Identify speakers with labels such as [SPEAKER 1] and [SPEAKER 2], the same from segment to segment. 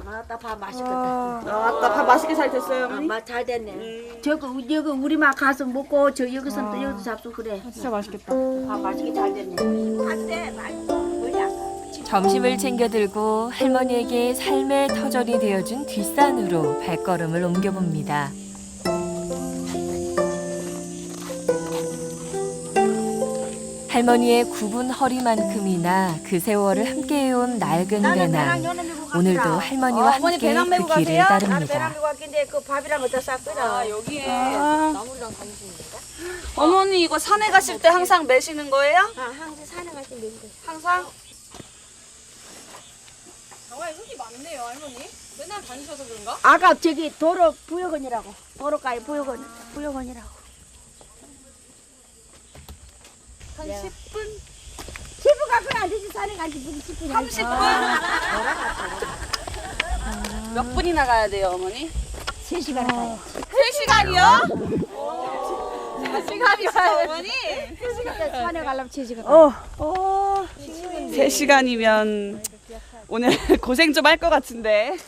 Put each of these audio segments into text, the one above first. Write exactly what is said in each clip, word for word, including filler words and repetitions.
[SPEAKER 1] 아따 밥 맛있겠다.
[SPEAKER 2] 아따 밥 맛있게 잘 됐어요,
[SPEAKER 1] 아,
[SPEAKER 2] 어머니?
[SPEAKER 1] 맛 잘 됐네. 저거 여기 우리 막 가서 먹고 저 여기서 또 여기서 잡수 그래.
[SPEAKER 3] 진짜 맛있겠다.
[SPEAKER 1] 밥 맛있게 잘 됐네. 안돼 맛있어. 머리 아파.
[SPEAKER 4] 점심을 챙겨 들고 할머니에게 삶의 터전이 되어준 뒷산으로 발걸음을 옮겨봅니다. 할머니의 굽은 허리만큼이나 그 세월을 함께해온 낡은 배낭. 오늘도 할머니와
[SPEAKER 1] 어, 어머니
[SPEAKER 4] 함께
[SPEAKER 1] 배낭 메고
[SPEAKER 4] 그 길을
[SPEAKER 1] 가세요? 나는 배낭
[SPEAKER 4] 따릅니다.
[SPEAKER 1] 메고 갔긴데 그 밥이랑 어디다 쌌거든.
[SPEAKER 2] 아, 여기에
[SPEAKER 3] 아.
[SPEAKER 2] 나물이랑 다니시는 건가? 어머니 이거 산에 가실 때 항상 매시는 거예요?
[SPEAKER 1] 아, 항상 산에 갈때 메고 가.
[SPEAKER 2] 항상?
[SPEAKER 3] 정말 흙이 많네요, 할머니. 맨날 다니셔서 그런가?
[SPEAKER 1] 아까 저기 도로 부여건이라고. 도로가에 부여건 부여건이라고.
[SPEAKER 2] 한 십 분?
[SPEAKER 1] 십 분 갖고는 안 되지. 산에 간지 무슨 십 분이야.
[SPEAKER 2] 삼십 분? 몇 분이나 가야 돼요, 어머니?
[SPEAKER 1] 세 시간 가야지.
[SPEAKER 2] 세 시간이요? 세 시간이요, 어머니?
[SPEAKER 1] 산에 가려면 세 시간.
[SPEAKER 3] 어.
[SPEAKER 1] 어.
[SPEAKER 2] 세 시간이면 오늘 고생 좀 할 것 같은데.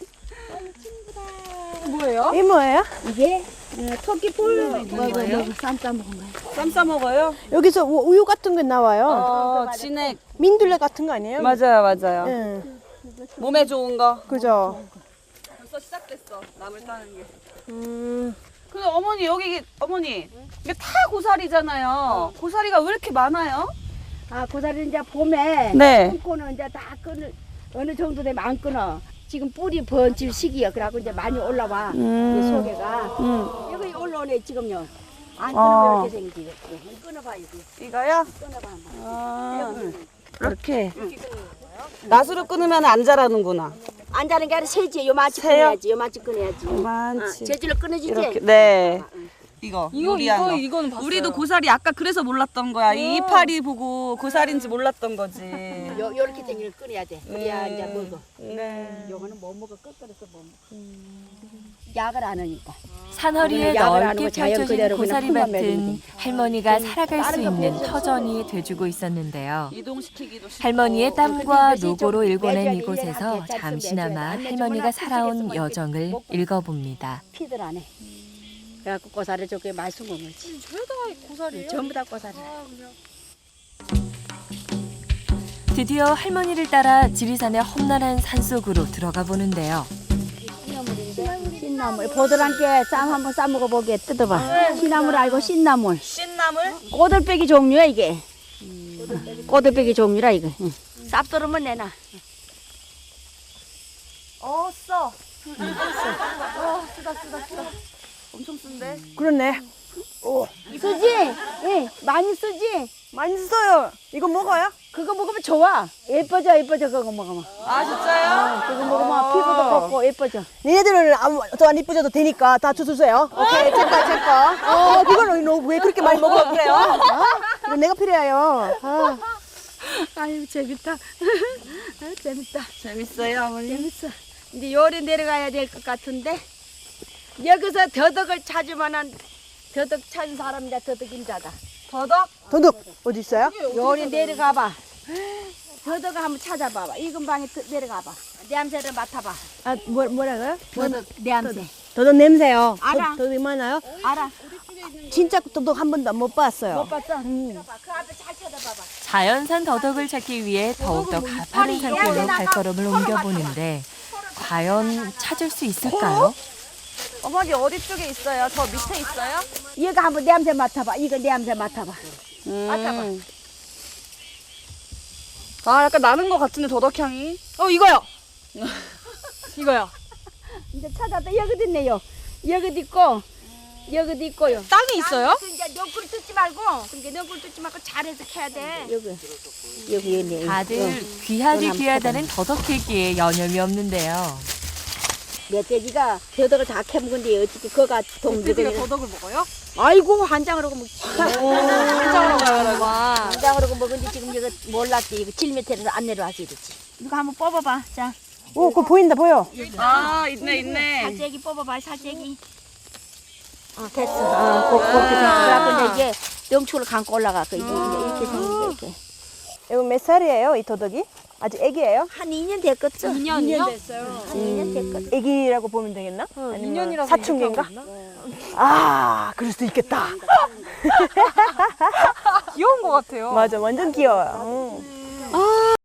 [SPEAKER 1] 뭐예요?
[SPEAKER 3] 이 뭐예요?
[SPEAKER 1] 이게 어, 토끼풀 뭐예요? 쌈 싸먹은 거예요.
[SPEAKER 2] 쌈 싸 먹어요?
[SPEAKER 3] 여기서 우- 우유 같은 게 나와요.
[SPEAKER 2] 어, 진액.
[SPEAKER 3] 민들레 같은 거 아니에요?
[SPEAKER 2] 맞아요, 맞아요.
[SPEAKER 3] 응.
[SPEAKER 2] 몸에 좋은 거.
[SPEAKER 3] 그죠.
[SPEAKER 2] 벌써 시작됐어, 나물 따는 게.
[SPEAKER 3] 음.
[SPEAKER 2] 근데 어머니, 여기, 어머니, 이게 다 고사리잖아요. 고사리가 왜 이렇게 많아요?
[SPEAKER 1] 아, 고사리 이제 봄에
[SPEAKER 2] 네.
[SPEAKER 1] 끊고는 이제 다 끊을 어느 정도 되면 안 끊어. 지금 뿌리 번질 시기야. 그래갖고 이제 많이 올라와.
[SPEAKER 2] 음.
[SPEAKER 1] 이제 속에가
[SPEAKER 2] 음.
[SPEAKER 1] 여기 올라오네 지금요. 안
[SPEAKER 2] 어.
[SPEAKER 1] 끊으면 이렇게 생기지. 응, 끊어봐 여기.
[SPEAKER 2] 이거요?
[SPEAKER 1] 끊어봐 한번.
[SPEAKER 2] 아,
[SPEAKER 1] 응.
[SPEAKER 2] 이렇게. 낫으로 끊으면 안 자라는구나.
[SPEAKER 1] 안 자는 게 아니라 세지. 요만치
[SPEAKER 2] 세요?
[SPEAKER 1] 끊어야지. 요만치 끊어야지.
[SPEAKER 2] 많지.
[SPEAKER 1] 어, 재질로 끊어지지.
[SPEAKER 2] 이렇게. 네.
[SPEAKER 1] 응.
[SPEAKER 2] 이거,
[SPEAKER 3] 이거,
[SPEAKER 2] 요리한
[SPEAKER 3] 이거,
[SPEAKER 2] 거.
[SPEAKER 3] 이거는 봤어요.
[SPEAKER 2] 우리도 고사리 아까 그래서 몰랐던 거야. 이 이파리 보고 고사리인지 몰랐던 거지.
[SPEAKER 1] 요 요렇게 생기를 끊어야 돼. 그래야
[SPEAKER 2] 음.
[SPEAKER 1] 이제 먹어.
[SPEAKER 2] 네.
[SPEAKER 1] 요거는 못 먹어. 끄끄러서 못 먹어. 약을 안 하니까.
[SPEAKER 4] 산허리에
[SPEAKER 1] 약을 안
[SPEAKER 4] 넓게
[SPEAKER 1] 하고 자연
[SPEAKER 4] 펼쳐진
[SPEAKER 1] 그대로 그냥
[SPEAKER 4] 고사리밭은
[SPEAKER 1] 품만
[SPEAKER 4] 할머니가 살아갈 수
[SPEAKER 1] 다른 거
[SPEAKER 4] 있는
[SPEAKER 1] 먹어도
[SPEAKER 4] 터전이 돼주고 있었는데요.
[SPEAKER 2] 이동시키기도 쉽고.
[SPEAKER 4] 할머니의 땀과
[SPEAKER 1] 근데 이것이
[SPEAKER 4] 노고로
[SPEAKER 1] 좀
[SPEAKER 4] 일궈낸
[SPEAKER 1] 매줘야 돼.
[SPEAKER 4] 이곳에서
[SPEAKER 1] 일년에 한 개짜리 좀
[SPEAKER 4] 잠시나마
[SPEAKER 1] 매줘야 돼. 안
[SPEAKER 4] 할머니가
[SPEAKER 1] 매주면
[SPEAKER 4] 살아온
[SPEAKER 1] 흙속에서
[SPEAKER 4] 여정을
[SPEAKER 1] 먹고.
[SPEAKER 4] 읽어봅니다.
[SPEAKER 1] 피들 안 해. 그래갖고 고사리 저게 맛있는 거지.
[SPEAKER 3] 죄다 고사리예요?
[SPEAKER 1] 전부 다 고사리.
[SPEAKER 4] 드디어 할머니를 따라 지리산의 험난한 산속으로 들어가 보는데요.
[SPEAKER 1] 신나물. 보들한테 쌈 한번 싸 먹어보게 뜯어봐. 시나물 알고 신나물.
[SPEAKER 2] 신나물?
[SPEAKER 1] 꼬들빼기 종류야 이게. 꼬들빼기 종류라 이거. 응. 쌉도르면 내놔.
[SPEAKER 2] 어, 써. 어, 쓰다, 쓰다, 쓰다. 엄청 쓴데?
[SPEAKER 3] 그렇네.
[SPEAKER 1] 쓰지? 예, 많이 쓰지?
[SPEAKER 3] 많이 써요. 이거 먹어요?
[SPEAKER 1] 그거 먹으면 좋아. 예뻐져, 예뻐져, 그거 먹으면.
[SPEAKER 2] 아, 진짜요?
[SPEAKER 1] 그거 먹으면 피부도 걷고 예뻐져.
[SPEAKER 3] 니네들은 더안 이쁘셔도 되니까 다 주세요. 오케이, 제거, 제거. 어, 그걸 너 왜 그렇게 많이 먹어 그래요? 어? 이거 내가 필요해요. 아.
[SPEAKER 1] 아유, 재밌다. 아유, 재밌다.
[SPEAKER 2] 재밌어요, 어머니?
[SPEAKER 1] 재밌어. 이제 요리 내려가야 될 것 같은데, 여기서 더덕을 찾으면은 더덕 찾은 사람이다, 더덕 임자다.
[SPEAKER 2] 더덕?
[SPEAKER 3] 도둑 어디 있어요?
[SPEAKER 1] 요리 내려가봐. 더덕을 한번 찾아봐봐. 이 근방에 더- 내려가봐. 냄새를 맡아봐.
[SPEAKER 3] 아, 뭐, 뭐라고요?
[SPEAKER 1] 더덕 냄새.
[SPEAKER 3] 도둑 냄새요.
[SPEAKER 1] 알아.
[SPEAKER 3] 도, 도둑 많아요?
[SPEAKER 1] 알아?
[SPEAKER 3] 진짜 도둑 한 번도 못 봤어요.
[SPEAKER 1] 못 봤어? 그 앞에 잘 찾아봐봐.
[SPEAKER 4] 자연산 더덕을 찾기 위해 더욱더 가파른 산길로 발걸음을 옮겨보는데 과연 찾을 수 있을까요?
[SPEAKER 2] 어머니 어디 쪽에 있어요? 저 밑에 있어요?
[SPEAKER 1] 이거 한번 냄새 맡아봐. 이거 냄새 맡아봐.
[SPEAKER 2] 음.
[SPEAKER 1] 맡아봐.
[SPEAKER 2] 아, 약간 나는 것 같은데, 더덕향이. 어, 이거요! 이거요.
[SPEAKER 1] 이제 찾았다. 여기도 있네요. 여기도 있고, 여기도 있고요.
[SPEAKER 2] 땅이 있어요?
[SPEAKER 1] 그 이제 너구리 뜯지 말고, 그러니까 너구리 뜯지 말고 잘해서 캐야 돼. 여기, 여기 있네.
[SPEAKER 4] 다들 귀하디 귀하다는 더덕 캐기에 여념이 없는데요.
[SPEAKER 1] 멧돼지가 더덕을 다 캐먹은데 어떻게 그가
[SPEAKER 2] 돼지가
[SPEAKER 1] 동지가
[SPEAKER 2] 더덕을 먹어요?
[SPEAKER 1] 아이고 한 장으로 먹지.
[SPEAKER 2] 한장으로 가요,
[SPEAKER 1] 한 장으로 먹은데 지금 이거 몰랐지. 이거 칠 미터에서 안 내려와서 이러지. 이거 한번 뽑아봐. 자,
[SPEAKER 3] 오, 그거 보인다, 보여.
[SPEAKER 2] 아, 있네, 있네.
[SPEAKER 1] 살쐐기 뽑아봐. 살쐐기. 어, 됐어. 어, 고, 그렇게 됐어. 그래갖고 이제 이게 명축을 감고 올라가. 그 이제 이렇게 생긴 게 이렇게.
[SPEAKER 3] 이거 몇 살이에요, 이 도둑이? 아직 애기예요?
[SPEAKER 1] 한 이 년 됐겠죠?
[SPEAKER 5] 이 년이요?
[SPEAKER 1] 한 이 년 됐겠죠?
[SPEAKER 3] 애기라고 보면 되겠나? 아니면
[SPEAKER 5] 이 년이라서
[SPEAKER 3] 사춘기인가? 아, 그럴 수도 있겠다.
[SPEAKER 5] 귀여운 것 같아요.
[SPEAKER 3] 맞아, 완전 귀여워요. 음.
[SPEAKER 5] 아,